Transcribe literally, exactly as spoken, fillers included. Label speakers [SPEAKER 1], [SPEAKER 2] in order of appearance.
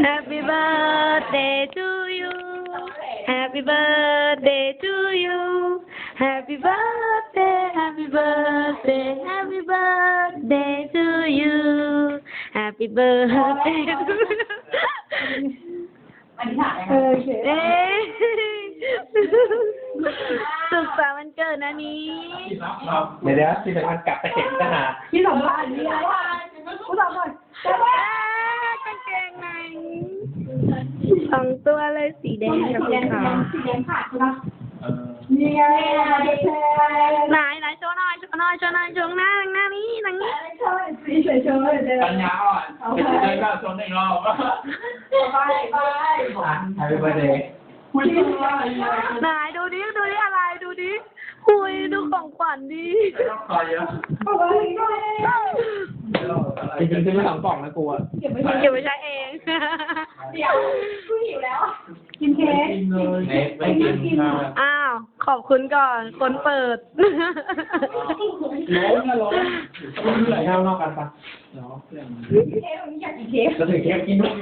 [SPEAKER 1] Happy birthday to you Happy birthday to you Happy birthday Happy birthday Happy birthday to you Happy birthday to you
[SPEAKER 2] อันนี้ถ่าย
[SPEAKER 1] เออเอ๊ะสุขสันต์วันเกิดนะนี้
[SPEAKER 3] เดี๋ยวเดี๋ยวที่สำคัญกลับไปเห็นทหาร
[SPEAKER 2] ที่สำคัญนี่อะไรผู้สำคัญแต่ว่าก
[SPEAKER 1] างเกงในสองตัวเลยสีแดงกับสีขาว
[SPEAKER 2] สีแดงขาดใช่ไหม
[SPEAKER 3] เออ
[SPEAKER 2] นี่ไงเด็กแท้
[SPEAKER 1] ไหนไหนโชว์หน่อยโชว์หน่อยโชว์หน่อยโชว์หน้าหน้านี้หนังนี้
[SPEAKER 2] ใช่สีเฉยๆเดี๋ยว
[SPEAKER 3] ปัญญาอ่อนไปเดินก็ชนอีกรอบ
[SPEAKER 2] ไปไป
[SPEAKER 3] แฮปปี้เบิร์ดเดย์คุยกันว่าอะไร
[SPEAKER 1] ไหนดูดิดูดิอะไรดูดิคุยดูของขวัญดิ
[SPEAKER 3] ต้องคอยเยอะ
[SPEAKER 2] ไปไป
[SPEAKER 3] จริงๆซื้อมาสองกล่องนะกูอ่ะ
[SPEAKER 2] เก็บไว้
[SPEAKER 1] เก็บไว้ใช้เอง
[SPEAKER 2] เดี๋ยวกูหิวแล้วกินเค้ก
[SPEAKER 3] กินเลยเนสไม่กินข้าว
[SPEAKER 1] อ้าวขอบคุณก่อนคนเปิด
[SPEAKER 3] ล้มนะล้มเหลือข้าวนอกกันปะเนาะ
[SPEAKER 2] เค้กวันนี้อยากกินเค้ก
[SPEAKER 3] จะถือเค้กกินด้วย